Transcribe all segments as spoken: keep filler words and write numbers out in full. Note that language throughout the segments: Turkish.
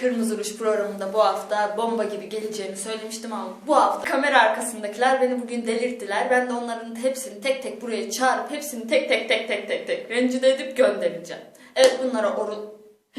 Kırmızı Ruj programında bu hafta bomba gibi geleceğini söylemiştim ama bu hafta kamera arkasındakiler beni bugün delirttiler. Ben de onların hepsini tek tek buraya çağırıp hepsini tek tek tek tek tek tek rencide edip göndereceğim. Evet, bunlara oru...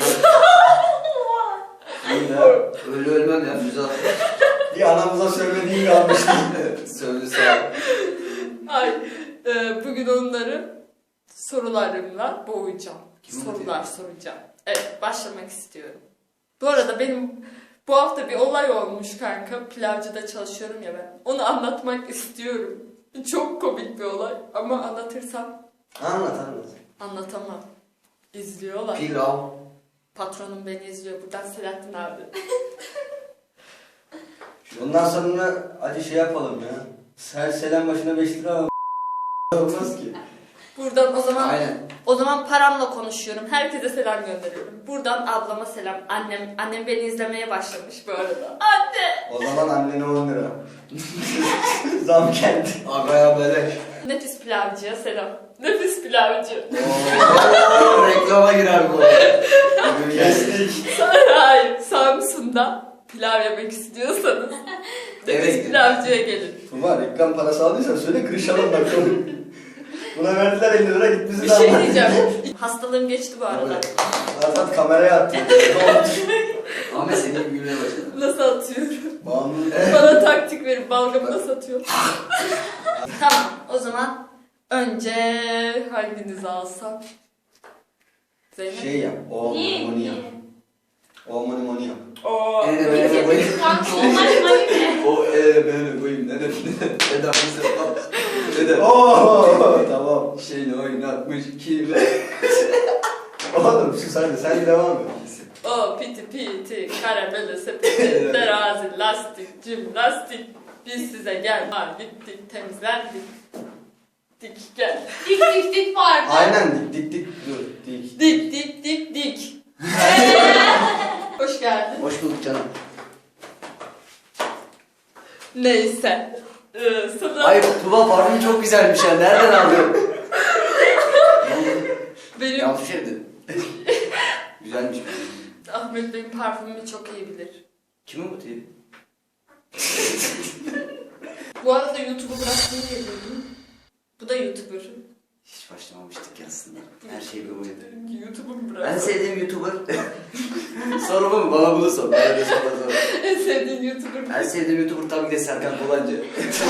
Öyle ölmem ya Füze. Bir anamıza söylediğini almıştım. Söyle sağ ol. Ay, e, bugün onları sorularımla boğacağım. Kim Sorular diyor? soracağım. Evet, başlamak istiyorum. Bu arada benim bu hafta bir olay olmuş kanka. Pilavcıda çalışıyorum ya ben. Onu anlatmak istiyorum. Çok komik bir olay ama anlatırsam Anlat anlat. anlatamam. İzliyorlar. Pilav. Patronum beni izliyor. Buradan Selahattin abi. Ondan sonra hadi şey yapalım ya. Her selam başına beş lira al. Olmaz ki. Buradan o zaman Aynen. o zaman paramla konuşuyorum. Herkese selam gönderiyorum. Buradan ablama selam. Annem annem beni izlemeye başlamış bu arada. Anne! O zaman annene on lira. Zam geldi. Agaya beleş. Nefis pilavcıya selam. Nefis pilavcı. Ooo reklama girer bu. Kestik. Hayır, Samsun'da pilav yemek istiyorsanız nefis Evet. pilavcıya gelin. Tuba reklam parası aldıysan söyle kırışalım bakalım. Buna verdiler elli lira git bizi Bir de şey anlat. diyeceğim. Hastalığım geçti bu arada. Azat kameraya attı. Ahmet senin gülmeye başladı. Nasıl atıyorum? Bağımlı. Bana taktik verin, balgamı nasıl atıyorum? Tamam, o zaman önce hanginizi alsam? Zeynep? Şey yap. O Niye? moni yap. O moni moni yap. Oo. Evet, evet, evet. Normal O eee böyle koyayım ne dedim ne dedim ne dedim Oo tamam. şeyini oynatmış kime. Oğlum sus hadi sen devam et. O piti piti, karamele sepeti, terazi, lastik, cimnastik. Biz size gel, ha gittik, temizlendik. Dik gel. dik dik dik vardı. Aynen dik dik dik dur dik. Dik dik dik dik. Hoş geldin. Hoş bulduk canım. Neyse. Ee, sana Ay Tuba parfüm çok güzelmiş ya. Nereden aldın? benim Yanlış şey dedim. Güzelmiş. Ahmet benim parfümümü çok iyi bilir. Kimin bu teybi? Bu arada YouTube'u bıraktığını biliyordum. Bu da YouTuber. Hiç başlamamıştık ya aslında. Her şey bir oydu. YouTube'u mu En bıraktın? sevdiğim YouTuber. Sorumu mu? Bana bunu sor. Bana da sor. Bana sor. En sevdiğin YouTuber. En sevdiğim YouTuber tabii ki de Serkan Kolancı.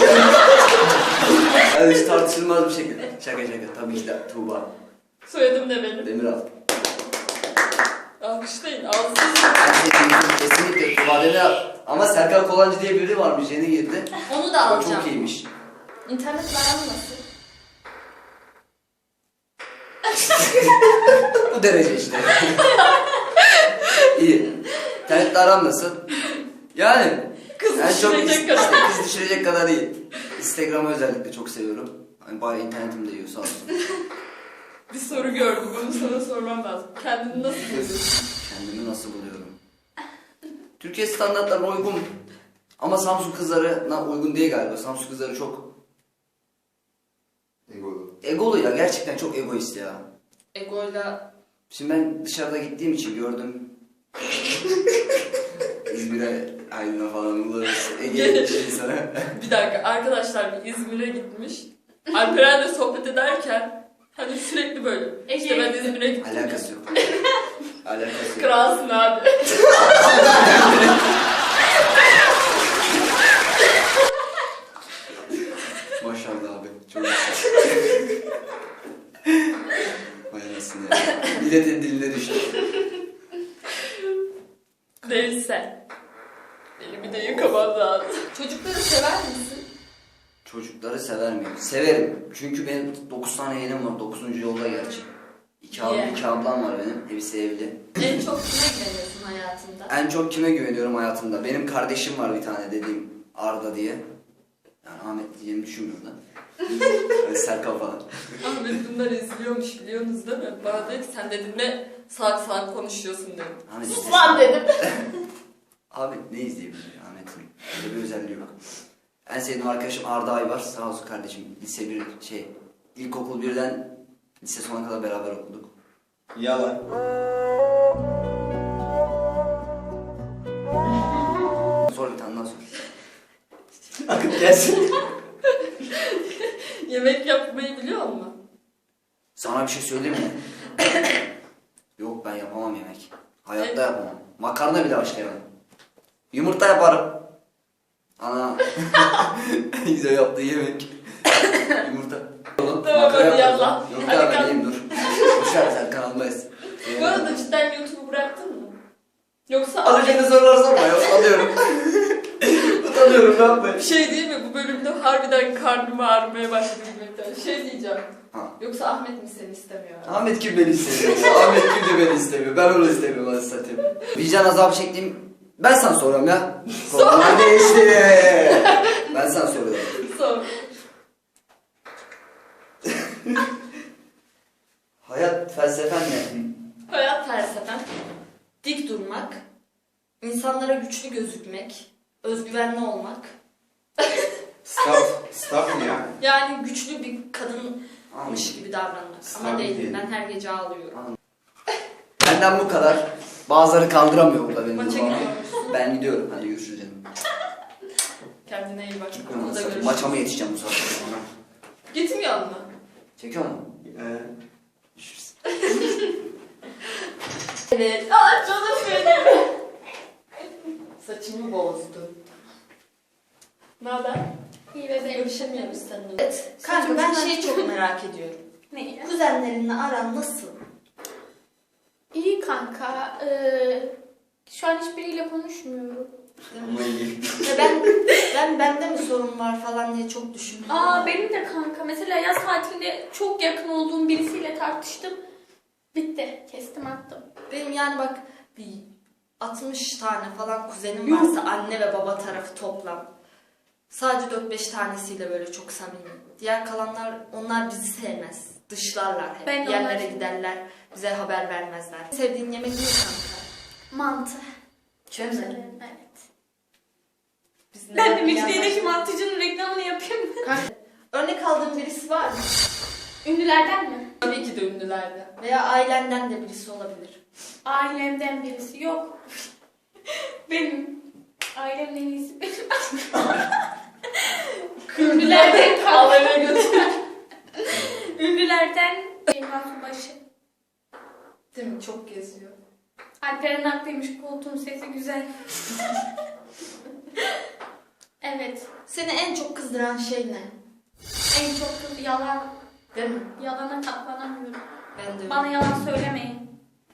Yani hiç tartışılmaz bir şekilde. Şaka şaka. Tabii ki de Tuğba. Soyadım ne benim? Demiral. Alkışlayın. Ağzınızı. En sevdiğim YouTuber kesinlikle Tuğba Demiral. Ama Serkan Kolancı diye biri varmış. Yeni girdi. Onu da O alacağım. çok iyiymiş. İnternetle aran nasıl? Bu derece işte. İyi. İnternetle aram nasıl? Yani. Kız Yani çok düşürecek is- kadar. işte kız düşürecek kadar iyi. Instagram'ı özellikle çok seviyorum. Hani bayağı internetim de yiyor sağ olsun. Bir soru gördüm. Bunu sana sormam lazım. Kendini nasıl buluyorsun? Kendimi nasıl buluyorum? Türkiye standartlarına uygun. Ama Samsun kızlarına uygun değil galiba. Samsun kızları çok Egolu. egolu ya. Gerçekten çok egoist ya. Egoyla Şimdi ben dışarıda gittiğim için gördüm. İzmir'e, Aydın'a falan buluruz. Ege'ye şey sana. bir dakika arkadaşlar bir İzmir'e gitmiş. Alperen'le sohbet ederken hani sürekli böyle. İşte ben İzmir'e gittim. Alakası yok. Alakası yok. Kralsın abi. Maşallah abi. Çok Vay anasını ya. Milletin diline düştü. Neyse. Elimi de yıkamam lazım. Çocukları sever misin? Çocukları sever miyim? Severim. Çünkü benim dokuz tane yeğenim var. dokuzuncu yolda gerçi. İki, abi, Niye? iki ablam var benim. Hepsi evli. En çok kime güveniyorsun hayatında? En çok kime güveniyorum hayatımda? Benim kardeşim var bir tane dediğim Arda diye. Yani Ahmet diyeceğimi düşünmüyorum da. Yani Serkan falan. Ahmet bunları izliyormuş biliyorsunuz değil mi? Bana dedi ki sen dedim ne salak salak konuşuyorsun dedim. Ahmet Sus izlesin. lan dedim. Ahmet ne izleyebilir ya Ahmet'in? Öyle bir özelliği yok. En sevdiğim arkadaşım Arda Aybar. Sağ olsun kardeşim. Lise bir şey. İlkokul birden lise sona kadar beraber okuduk. Yalan. gelsin. Yemek yapmayı biliyor musun? Sana bir şey söyleyeyim mi? Yok ben yapamam yemek. Hayatta yapamam. Makarna bile başlayamam. Yumurta yaparım. Ana. Güzel yaptığı yemek. Yumurta. Oğlum, Tamam, makarna hadi yaparım. yallah. Yok Hadi ya ben kalk. yiyeyim dur. Boşver sen kanalındayız. Bu arada cidden YouTube'u bıraktın mı? Yoksa Alışkın sorular sorma ya. Utanıyorum. Utanıyorum ne yapayım? bir şey değil mi? Bu bölümde harbiden karnım ağrımaya başladı gülmekten. Şey diyeceğim. Ha. Yoksa Ahmet mi seni istemiyor? Ahmet kim beni istemiyor? Ahmet kim de beni istemiyor? Ben onu istemiyorum hadi satayım. Vicdan azabı çektiğim... Ben sana soruyorum ya. Konular değişti. Ben sana soruyorum. Sor. Hayat felsefen ne? Hayat felsefem. Dik durmak. İnsanlara güçlü gözükmek. Özgüvenli olmak. Staff, staff mı yani? Yani güçlü bir kadınmış Anladım. gibi davranmak. Ama Tabii değilim. değil. Ben her gece ağlıyorum. Benden bu kadar. Bazıları kaldıramıyor burada beni. Maça bu bağlamda. gidiyormuşsun. Ben gidiyorum. Hadi görüşürüz canım. Kendine iyi bak. Gitmiyorum. Okulda görüşürüz. Maça mı yetişeceğim bu saatte sonra? Gitmiyor mu? Çekiyor mu? Ee, Görüşürüz. Evet. Aa canım benim. Saçımı bozdu. Ne haber? İyi bebeğim. Görüşemiyoruz seninle. Evet. Kanka ben şeyi çok merak ediyorum. Ne? Kuzenlerinle aran nasıl? İyi kanka. Ee, şu an hiçbiriyle konuşmuyorum. ama iyi. Ya ben ben bende mi sorun var falan diye çok düşündüm. Aa benim de kanka. Mesela yaz tatilinde çok yakın olduğum birisiyle tartıştım. Bitti. Kestim attım. Benim yani bak bir altmış tane falan kuzenim Yuh. varsa anne ve baba tarafı toplam. Sadece dört beş tanesiyle böyle çok samimi. Diğer kalanlar onlar bizi sevmez. Dışlarlar hep. Ben de Yerlere onlar- giderler. Bize haber vermezler. Sevdiğin yemek ne kanka? Mantı. Çok Severim, evet. Biz Ben de neden- Mecidiye'deki mantıcının reklamını yapayım mı? Kanka, örnek aldığın birisi var mı? Ünlülerden mi? Tabii ki de ünlülerden. Veya ailenden de birisi olabilir. Ailemden birisi yok. Benim. Ailemin en iyisi benim. Ünlülerden kal. Havaya götür. Ünlülerden Eyvah başı. Değil mi? Çok geziyor. Alperen haklıymış, koltuğun sesi güzel. Evet. Seni en çok kızdıran şey ne? En çok kız yalan. Değil mi? Yalana katlanamıyorum. Ben de öyle. Bana yalan söylemeyin.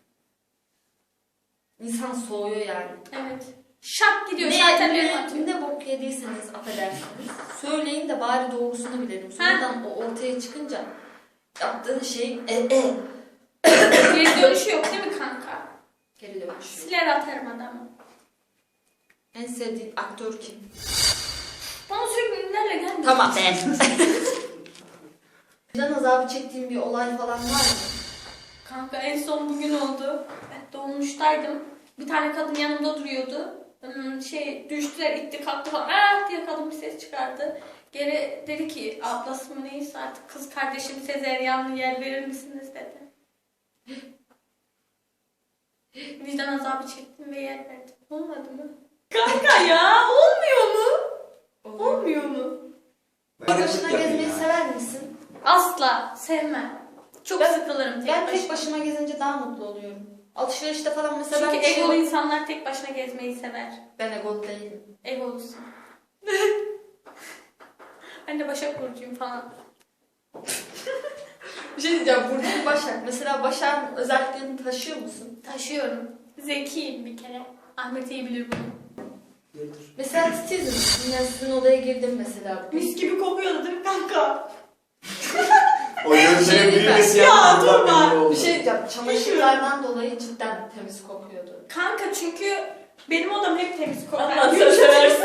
İnsan soğuyor yani. Evet. Şak gidiyor. Ne, Şartellerini ne, atıyor. ne bok yediyseniz affedersiniz. Söyleyin de bari doğrusunu bilelim. Sonradan o ortaya çıkınca yaptığın şeyin e e Geri dönüşü yok değil mi kanka? geri dönüşüyor. Siler atarım adamı. En sevdiğin aktör kim? Bana sürekli ünlülerle gelmiyor. Tamam be. Vicdan azabı çektiğin bir olay falan var mı? Kanka en son bugün oldu. Ben dolmuştaydım. Bir tane kadın yanımda duruyordu. Hmm, Şey düştüler, itti kalktı falan. Ah diye kadın bir ses çıkardı. Geri dedi ki ablası mı neyse artık kız kardeşim sezeryanlı yer verir misiniz dedi. Vicdan azabı çektim ve yer verdim. Olmadı mı? Kanka ya olmuyor mu? Olmuyor mu? Ben Tek de başına yapayım gezmeyi ya. sever misin? Asla sevmem. Çok Ben- sıkılırım tek Ben başına. tek başıma gezince daha mutlu oluyorum. Alışverişte falan mesela Çünkü ben bir şey- egolu insanlar tek başına gezmeyi sever. Ben egolu değilim. Egolusun. Ben de Başak Burcu'yum falan. Bir şey diyeceğim. Burcu Başak. Mesela Başak'ın özelliklerini taşıyor musun? Taşıyorum. Zekiyim bir kere. Ahmet iyi bilir bunu. Mesela titizim. Yine sizin odaya girdim mesela. bugün. Mis gibi kokuyordu değil mi kanka? O gözlerin Şey değil mi? büyümesi Ya, yaptığından durma. belli oldu. Bir şey diyeceğim. Çamaşırlardan dolayı cidden temiz kokuyordu. Kanka çünkü benim odam hep temiz kokar. Allah sen seversin.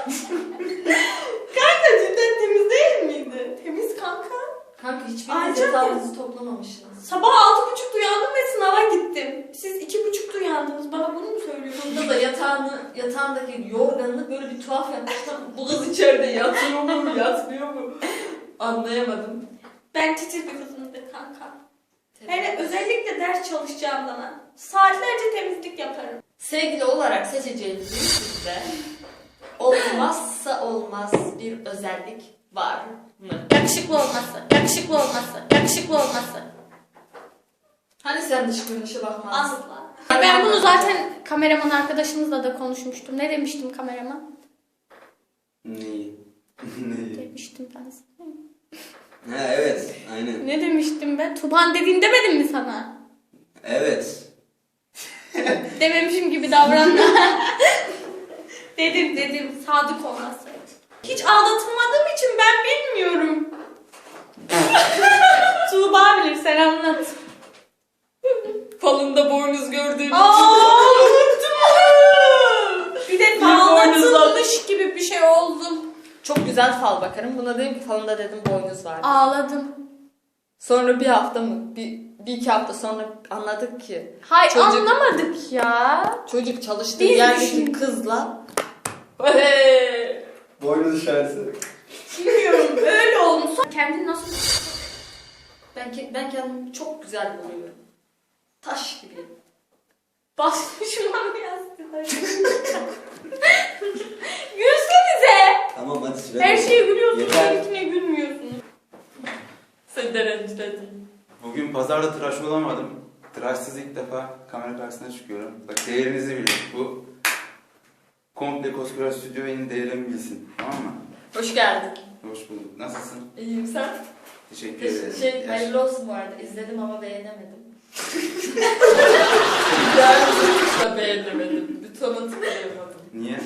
Kanka cidden temiz değil miydi? Temiz kanka. Kanka hiçbiriniz Ayrıca- yatağınızı toplamamışsınız. Sabah altı buçukta uyandım ve sınava gittim. Siz iki buçukta uyandınız. Bana bunu mu söylüyorsunuz? Burada da yatağını, yatağındaki yorganını böyle bir tuhaf yapmışlar. Bu kız içeride yatıyor mu, yatmıyor mu? Anlayamadım. Ben titiz bir kızımdır kanka. Hele özellikle ders çalışacağım zaman saatlerce temizlik yaparım. Sevgili olarak seçeceğiniz birisinde olmazsa olmaz bir özellik var mı? Yakışıklı olması, yakışıklı olması, yakışıklı olması. Hani sen dış görünüşe bakmazdın? Asla. Ben bunu zaten kameraman arkadaşımızla da konuşmuştum. Ne demiştim kameraman? Neyi? Neyi? Demiştim ben sana. Ha evet, aynen. Ne demiştim ben? Tuban dediğin demedim mi sana? Evet. Dememişim gibi davranma. dedim dedim sadık olması. Hiç aldatılmadığım için ben bilmiyorum. Tuğba bilir, sen anlat. Falında boynuz gördüğüm Aa, unuttum. Bir de Bir boynuz aldatılmış gibi bir şey oldum. Çok güzel fal bakarım. Buna dedim ki falında dedim boynuz var. Ağladım. Sonra bir hafta mı? Bir, bir iki hafta sonra anladık ki Hayır Çocuk- anlamadık ya. çocuk çalıştığı Biz yerdeki düşün- kızla Hey! Boynu dışarısı. Bilmiyorum öyle olmuş. Kendini nasıl... ben, ke- ben kendimi çok güzel buluyorum. Taş gibi. Basmışım abi yastığa. Gülsenize. Tamam hadi süre. Her şeye gülüyorsunuz. Yeter. Benimkine gülmüyorsunuz. Seni de rencide edeyim. Bugün pazarda tıraş olamadım. Tıraşsız ilk defa kamera karşısına çıkıyorum. Bak değerinizi bilin. Bu komple koskoca stüdyo benim değerimi bilsin. Tamam mı? Hoş geldin. Hoş bulduk. Nasılsın? İyiyim sen? Teşekkür Teş- ederim. şey, Yaş- hayırlı olsun bu arada. İzledim ama beğenemedim. Yani hiç de beğenemedim. Butona tıklayamadım. Niye?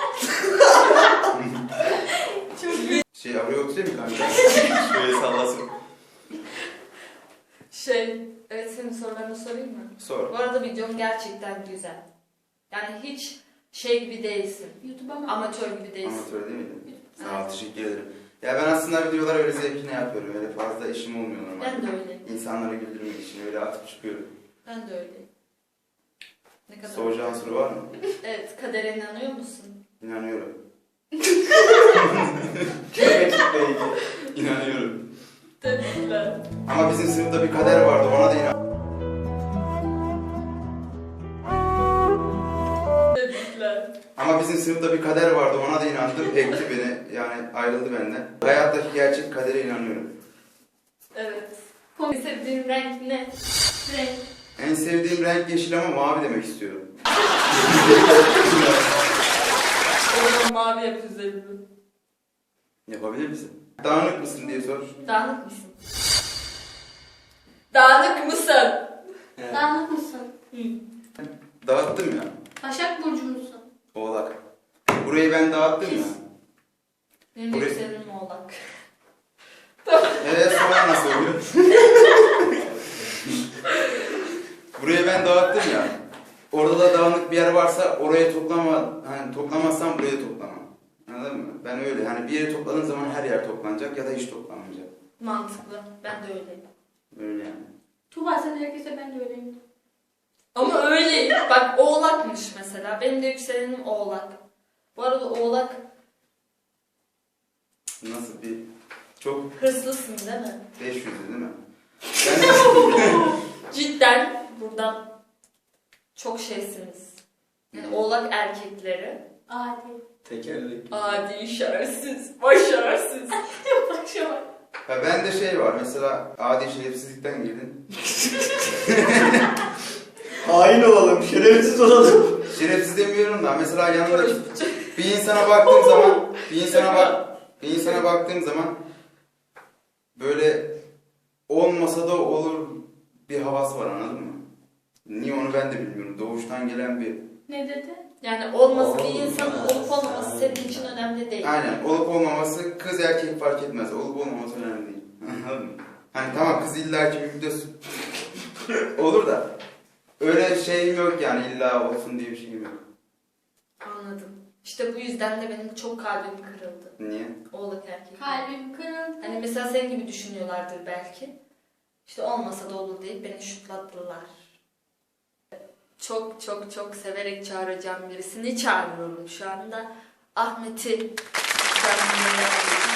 Çok iyi. Şey araya oturayım mı kanka? Şöyle sallasın. Şey, evet senin sorularını sorayım mı? Sor. Bu arada videom gerçekten güzel. Yani hiç şey gibi değilsin. YouTube'a mı? Amatör gibi değilsin. Amatör değil miydin? Sağ ol, teşekkür ederim. Ya ben aslında videoları öyle zevkine yapıyorum. Öyle fazla işim olmuyor normalde. Ben de öyleyim. İnsanları güldürmek için öyle atıp çıkıyorum. Ben de öyleyim. Ne kadar? Soracağın soru var mı? Evet, kadere inanıyor musun? İnanıyorum. Rakiple ilgili. İnanıyorum. Tebrikler. Ama bizim sınıfta bir kader vardı, ona da inan. Tebrikler. Ama bizim sınıfta bir kader vardı, ona da inandım. Ekti beni, yani ayrıldı benden. Hayattaki gerçek kadere inanıyorum. Evet. En sevdiğin renk ne? Renk. En sevdiğim renk yeşil ama mavi demek istiyorum. O zaman mavi yap üzerini. Yapabilir misin? Dağınık mısın diye sor. Dağınık mısın? Dağınık mısın? Evet. Dağınık mısın? Dağıttım ya. Başak Burcu musun? Oğlak. Burayı ben dağıttım ya. Benim Buraya- yükselenim oğlak. Eee sonra nasıl oluyor? Burayı ben dağıttım ya. Orada da dağınık bir yer varsa oraya toplama, hani toplamazsam buraya toplamam. Anladın mı? Ben öyle. Hani bir yere topladığın zaman her yer toplanacak ya da hiç toplanmayacak. Mantıklı. Ben de öyleyim. Öyle yani. Tuğba sen herkese ben de öyleyim. Ama öyleyim. Bak oğlakmış mesela. Benim de yükselenim oğlak. Bu arada oğlak Nasıl bir... Çok hırslısın değil mi? beş yüzlü değil mi? Ben Cidden buradan çok şeysiniz. Yani oğlak erkekleri Adi. Tekerlek. adi, şerefsiz, başarısız. Başa bak. Ha ben de şey var mesela adi şerefsizlikten girdin. Hain olalım, şerefsiz olalım. Şerefsiz demiyorum da mesela yanındaki bir insana baktığım zaman bir insana bak bir insana baktığım zaman böyle olmasa da olur bir havası var, anladın mı? Niye onu ben de bilmiyorum. Doğuştan gelen bir... Ne dedi? Yani olması bir Olmaz. insanın olup olmaması senin için önemli değil. Aynen. Olup olmaması kız erkek fark etmez. Olup olmaması önemli değil. Anladın mı? Hani tamam kız illa ki bir de olur da öyle şeyim yok yani, illa olsun diye bir şeyim yok. Anladım. İşte bu yüzden de benim çok kalbim kırıldı. Niye? Oğlak erkek. Kalbim kırıldı. Hani mesela senin gibi düşünüyorlardır belki. İşte olmasa da olur deyip beni şutlattılar. Çok çok çok severek çağıracağım birisini çağırıyorum şu anda. Ahmet'i çağırmaya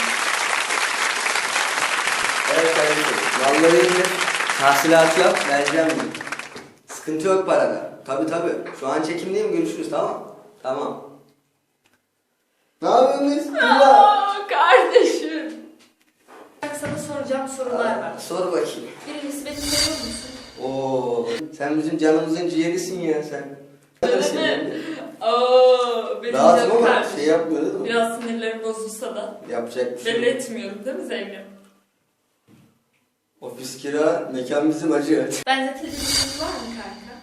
Evet kardeşim. Vallahi indir. Tahsilatı yap, vereceğim bunu. Sıkıntı yok parada. Tabi tabi. Şu an çekimdeyim, görüşürüz, tamam. Tamam. Ne yapıyorsunuz? Tuğba. Aa, kardeşim. Bak sana soracağım sorular var. Sor bakayım. Birincisi beni seviyor musun? Oo, sen bizim canımızın ciğerisin ya sen. Öyle mi? Oo, benim Rahatım canım ama kardeşim. şey yapmıyor değil mi? Biraz sinirlerim bozulsa da Yapacak bir şey belli yok. etmiyorum değil mi Zeynep? Ofis kira, mekan bizim acı. Benzetildiğiniz var mı kanka?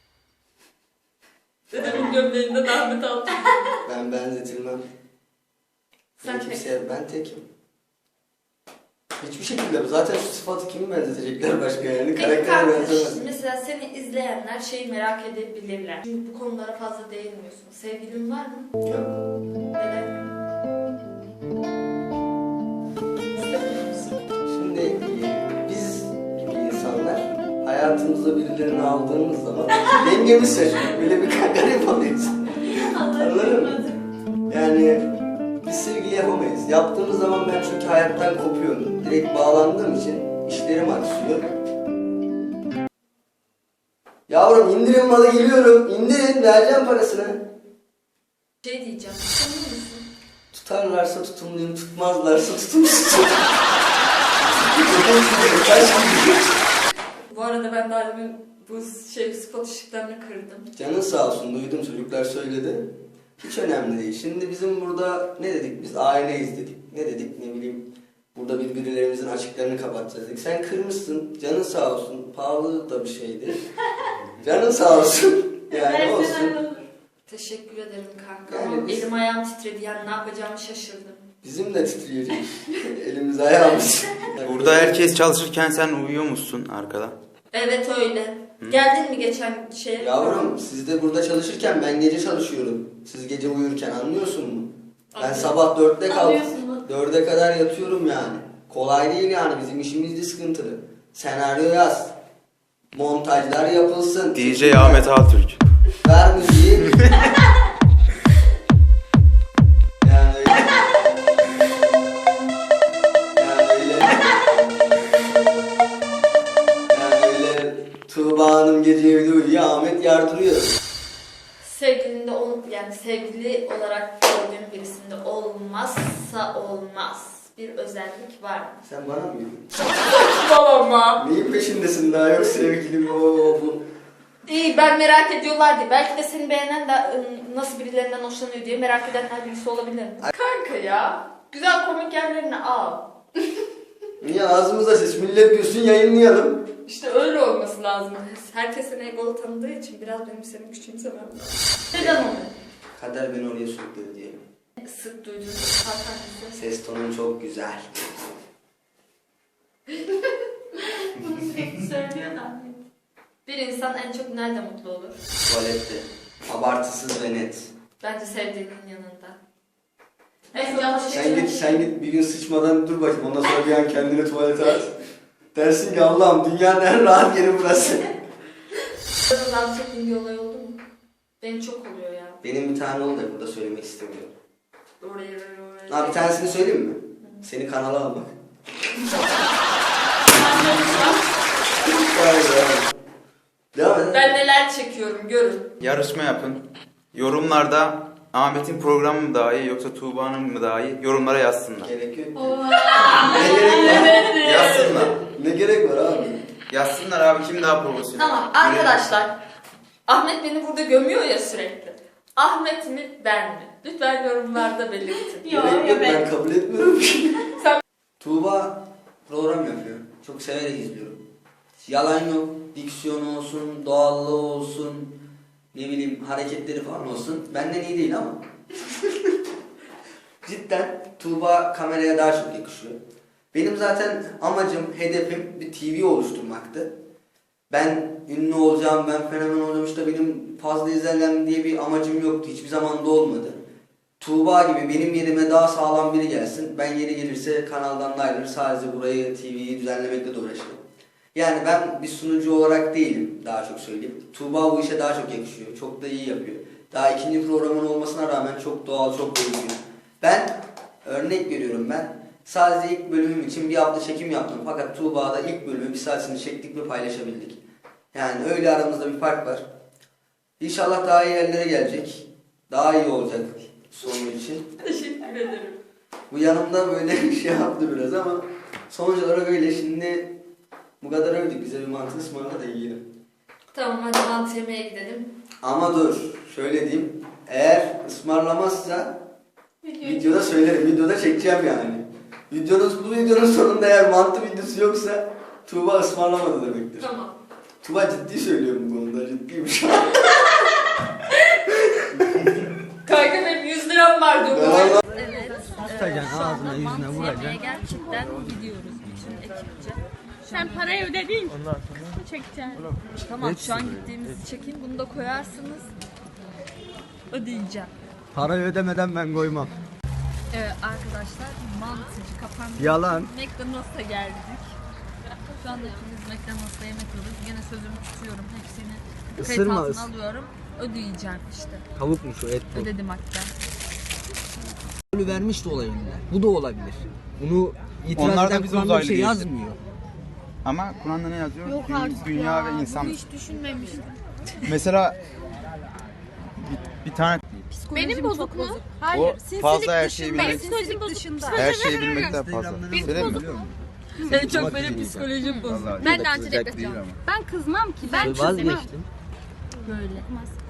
Dedemin gömleğinden Ahmet Altun. Ben benzetilmem. Sen Ben tek. kimseye, ben tekim. Hiçbir şekilde zaten şu sıfatı kimi benzetecekler başka yani Peki karaktere kanka, benzemez. mesela seni izleyenler şeyi merak edebilirler. Çünkü bu konulara fazla değinmiyorsun. Sevgilin var mı? Yok. Neden? İstemiyor musun? Şimdi e, biz gibi insanlar hayatımıza birilerini aldığımız zaman dengemiz şaşırıyor. Böyle bir garip oluyoruz. Anladın mı? Yani biz sevgili yapamayız. Yaptığımız zaman ben çünkü hayattan kopuyorum. Direkt bağlandığım için işlerim aksıyor. Yavrum indirin malı geliyorum. İndirin vereceğim parasını. Şey diyeceğim. Tanıyor musun? Tutarlarsa tutumluyum, tutmazlarsa tutumsuzum. Bu arada ben daha demin bu şey spot ışıklarını kırdım. Canın sağ olsun, duydum çocuklar söyledi. Hiç önemli değil. Şimdi bizim burada ne dedik biz? Aileyiz dedik. Ne dedik ne bileyim. Burada birbirlerimizin açıklarını kapatacağız dedik. Sen kırmışsın, canın sağ olsun. Pahalı da bir şeydi. Canın sağ olsun. Yani olsun. Teşekkür ederim kanka. Yani Ama biz- elim ayağım titredi yani ne yapacağımı şaşırdım. Bizim de titreyecek. Elimiz ayağımız. Burada herkes çalışırken sen uyuyor musun arkada? Evet öyle. Geldin mi geçen şeye? Yavrum siz de burada çalışırken ben gece çalışıyorum. Siz gece uyurken anlıyorsun mu? Ben Anlıyorum. sabah dörtte kalk. Anlıyorsun mu? Dörde kadar yatıyorum yani. Kolay değil yani bizim işimiz de sıkıntılı. Senaryo yaz. Montajlar yapılsın. D J Ahmet Altürk. Ver müziği. Yani öyle. Yani öyle. Yani öyle. Tuğba Hanım gece evde uyuyor, Ahmet yardırıyor. Sevgilinde ol, yani sevgili olarak gördüğün birisinde olmazsa olmaz bir özellik var mı? Sen bana mı diyorsun? Babama. Neyin peşindesin daha yok sevgilim o bu. İyi ben merak ediyorlar diye. Belki de seni beğenen de ım, nasıl birilerinden hoşlanıyor diye merak edenler birisi olabilir mi? Kanka ya. Güzel komik yerlerini al. Niye ağzımızda ses millet diyorsun yayınlayalım. İşte öyle olması lazım. Herkes seni egolu tanıdığı için biraz benim seni küçümsemem lazım. Neden onu? Kader beni oraya sürükledi diyelim. Sık duyduğunuz hatanızı. Ses tonun çok güzel. Bunu sürekli söylüyor da. Bir insan en çok nerede mutlu olur? Tuvalette. Abartısız ve net. Bence sevdiğinin yanında. En yanlış Sen şey. git, sen git bir gün sıçmadan dur bakayım. Ondan sonra bir an kendini tuvalete at. Dersin ki Allah'ım dünyanın en rahat yeri burası. Biraz az çektiğin bir olay oldu mu? Benim çok oluyor ya. Benim bir tane oldu da burada söylemek istemiyorum. Oraya oraya. Ha bir tanesini söyleyeyim mi? Seni kanala almak. Vay be. Devam et. Ben neler çekiyorum görün. Yarışma yapın. Yorumlarda Ahmet'in programı mı daha iyi yoksa Tuğba'nın mı daha iyi? Yorumlara yazsınlar. Gerek yok. Oo. Ne gerek var? Yazsınlar. Ne gerek var abi? Yazsınlar abi kim daha profesyonel. Tamam arkadaşlar. Ahmet beni burada gömüyor ya sürekli. Ahmet mi ben mi? Lütfen yorumlarda belirtin. Yok, Gerek yok, yok, ben ben- kabul etmiyorum. Sen- Tuğba program yapıyor. Çok severek izliyorum. Yalan yok. Diksiyonu olsun, doğallığı olsun, ne bileyim hareketleri falan olsun. Benden iyi değil ama. Cidden Tuğba kameraya daha çok yakışıyor. Benim zaten amacım, hedefim bir T V oluşturmaktı. Ben ünlü olacağım, ben fenomen olacağım işte benim fazla izlenen diye bir amacım yoktu. Hiçbir zaman da olmadı. Tuğba gibi benim yerime daha sağlam biri gelsin. Ben yeri gelirse kanaldan da ayrılır. Sadece burayı T V'yi düzenlemekle de uğraşırım. Yani ben bir sunucu olarak değilim daha çok söyleyeyim. Tuğba bu işe daha çok yakışıyor. Çok da iyi yapıyor. Daha ikinci programın olmasına rağmen çok doğal, çok düzgün. Ben örnek veriyorum ben. Sadece ilk bölümüm için bir hafta çekim yaptım. Fakat Tuğba'da ilk bölümü bir saatini çektik ve paylaşabildik. Yani öyle aramızda bir fark var. İnşallah daha iyi yerlere gelecek. Daha iyi olacak. sonu için. Teşekkür ederim. Bu yanımda böyle bir şey yaptı biraz ama sonuç olarak öyle. Şimdi bu kadar övdük, bize bir mantı ısmarla da yiyelim. Tamam hadi mantı yemeye gidelim. Ama dur, şöyle diyeyim. Eğer ısmarlamazsa videoda söylerim, videoda çekeceğim yani. Videonun, bu videonun sonunda eğer mantı videosu yoksa Tuğba ısmarlamadı demektir. Tamam. Tuğba ciddi söylüyorum bu konuda, ciddiyim şu an. Kanka benim yüz liram var diyor. Ben- Evet. Tutacaksın ağzına yüzüne Mantı yemeye vuracaksın. gerçekten gidiyoruz bütün ekipçe. Sen parayı ödedin. Çekeceğim. Tamam şu an gittiğimizi çekeyim. Bunu da koyarsınız. Ödeyeceğim. Parayı ödemeden ben koymam. Evet arkadaşlar mantıcı kapandı. Yalan. McDonald's'a geldik. Şu anda ikimiz McDonald's'a yemek yiyoruz. Yine sözümü tutuyorum. Hepsini kayıt Isırma, altına ıs- alıyorum. Ödeyeceğim işte. Tavuk mu şu et bu? Ödedim hatta. Rolü vermiş de olabilir. Bu da olabilir. Bunu itiraz Onlar da eden bize Kur'an'da bir uzaylı şey diyor. yazmıyor. Ama Kur'an'da ne yazıyor? Yok Dü- artık Dünya ya. ve insan. Bunu hiç düşünmemiştim. Mesela bir, bir tane Benim bozuk mu? o fazla her şeyi Benim bilmek, psikolojim bozuk. her şeyi bilmekten fazla. Instagram'da Söyleyeyim mi? biliyor musun? En çok benim psikolojim bozuldu. Vallahi Ben de kızacak antidepresan. değil ama. Ben kızmam ki. Ben Vazgeçtim. Böyle.